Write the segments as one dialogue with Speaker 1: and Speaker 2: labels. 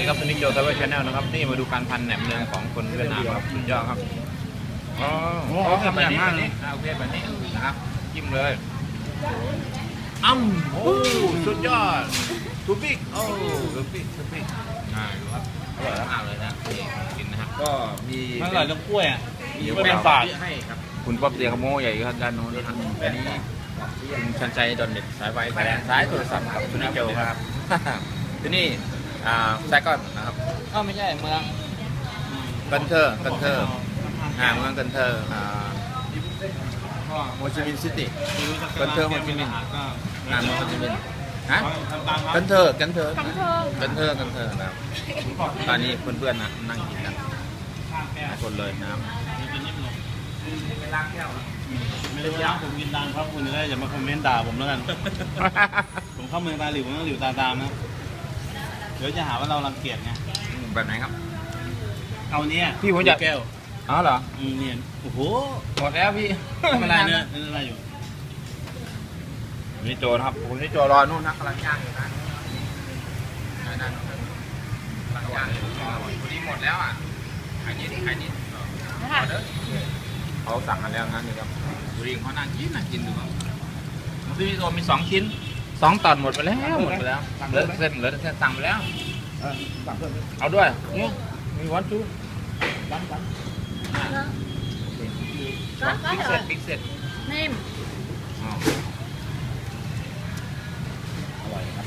Speaker 1: กับสนิทโจทาวเวอร์ชาแนลนะครับนี่มาดูการพันแหนมเนืองของคนเวียดนามครับสุดยอดครับอ๋อทำแบบนี้โอเคแบบนี้นะครับจิ้มเลยโอ้สุดยอดทูบิกทูบิกดูครับอร่อยมากเลยนะนี่กินนะครับก็มี
Speaker 2: มันอร่อยตรงกล้วยอ่ะ
Speaker 1: มีเป็นฝาดให้ครับคุณป๊อบเตียขโมยใหญ่ครับด้านโน้นนะครับอันนี้คุณชันชัยดอนเด็ดสายไฟแดงซ้ายโทรศัพท์ครับสนิทโจครับที่นี่ไซก้อนนะครับ
Speaker 2: ไม่ใช่เมือง
Speaker 1: กันเทอร์เมืองกันเทอร์โฮจิมินห์ซิตี้กันเทอร์โฮจิมินห์เมืองโฮจิมินห์ฮะกันเทอร์นะครับตอนนี้เพื่อนๆนะนั่งกินกันหลายคนเลยนะครับ
Speaker 2: ไม่ได้ว่าผมกินดังครับคุณจะได้อย่ามาคอมเมนต์ด่าผมแล้วกัน ผมเข้าเมืองตาหลิวผมต้องหลิวตาตามนะเดี๋ยวจะหาว่าเรารังเกียจไง
Speaker 1: แบบไหนครับ
Speaker 2: เอาเนี้ย
Speaker 1: พี่ผมอยาก
Speaker 2: แก้ว
Speaker 1: อ๋อเหรอ
Speaker 2: เนี่ยโอ้โห
Speaker 1: หมดแล้วพี่
Speaker 2: ไม่เป็นไรเนี่ยไม่เป็นไรอยู่
Speaker 1: นี่โจนะครับผมนี่โจรอนู่นนะกำลังย่างอยู่นะนั่นกำลังย่างอยู่พอดีหมดแล้วอ่ะไข่นิดเขาสั่งกันแล้วงั้นนี่ครับดูดิเขานั่งกินดูครับซื้อโซมี2 ชิ้น2 ตอนหมดไปแล้วเหลือเส้นสั่งไปแล้วเอาด้วยเนี่ยมีวันชูวันบิ๊กเซ็ต
Speaker 3: นิ่ม
Speaker 1: อร่อยครับ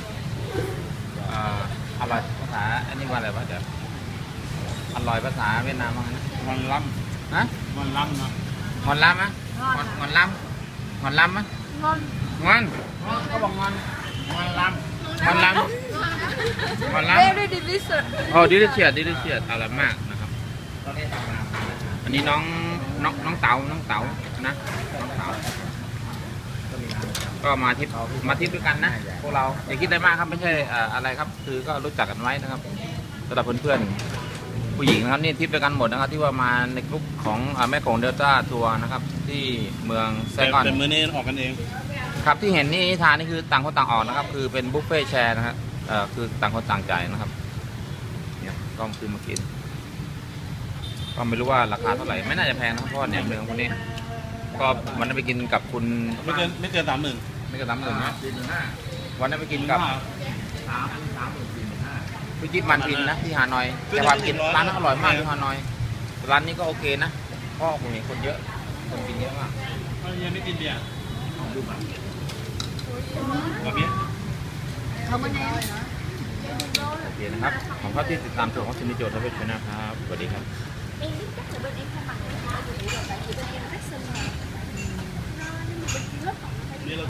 Speaker 1: อร่อยภาษาอันนี้ว่าอะไรวะเดี๋ยวอร่อยภาษาเวียดนามว่าไงนะ
Speaker 2: มันล้
Speaker 1: ฮะ
Speaker 2: ำมันล้ำนะ
Speaker 1: งอนล้ำมะงอนล้ำมะ
Speaker 3: งอน
Speaker 1: งอนเขาบอกงอนล้ำ
Speaker 3: very delicious
Speaker 1: โอ้ดิลิเชียดอร่อยมากนะครับอันนี้น้องเต๋านะน้องเต๋าก็มาทริปด้วยกันนะพวกเราอย่าคิดได้มากครับไม่ใช่อะไรครับคือก็รู้จักกันไว้นะครับสำหรับเพื่อนๆผู้หญิงนะครับนี่ทริปด้วยกันหมดนะครับที่ว่ามาในกลุ่มของแม่ของเดลต้าทัวร์นะครับที่เมืองไซกอน
Speaker 2: แต่มื้อนี้ออกกันเอง
Speaker 1: ครับที่เห็นนี่ทานนี่คือต่างคนต่างออกนะครับคือเป็นบุฟเฟ่แชร์นะครับคือต่างคนต่างจ่ายนะครับเนี่ยก็คือมากินก็ไม่รู้ว่าราคาเท่าไหร่ไม่น่าจะแพงนะครับเพราะแหนมเนืองพวกนี้ก็วันนั้นไปกินกับคุณ
Speaker 2: ไม่เกิน30,000
Speaker 1: ไม่กระทำหนึ่งนะวันนั้นไปกินกับพี่จิ๊บมันพินนะที่ฮานอยแต่ว่ากินร้านนั้นอร่อยมากที่ฮานอยร้านนี้ก็โอเคนะเพราะผมเห็นคนเยอะคนกินเยอะมาก
Speaker 2: ยังไม่กินเบียร์ดูแบบนี้
Speaker 3: เขามาแน่
Speaker 1: โอเคนะครับขอบคุณที่ติดตามชมของซินิโจทาวเวอร์ชาแนลครับสวัสดีครับ
Speaker 3: Em biết chắc là bên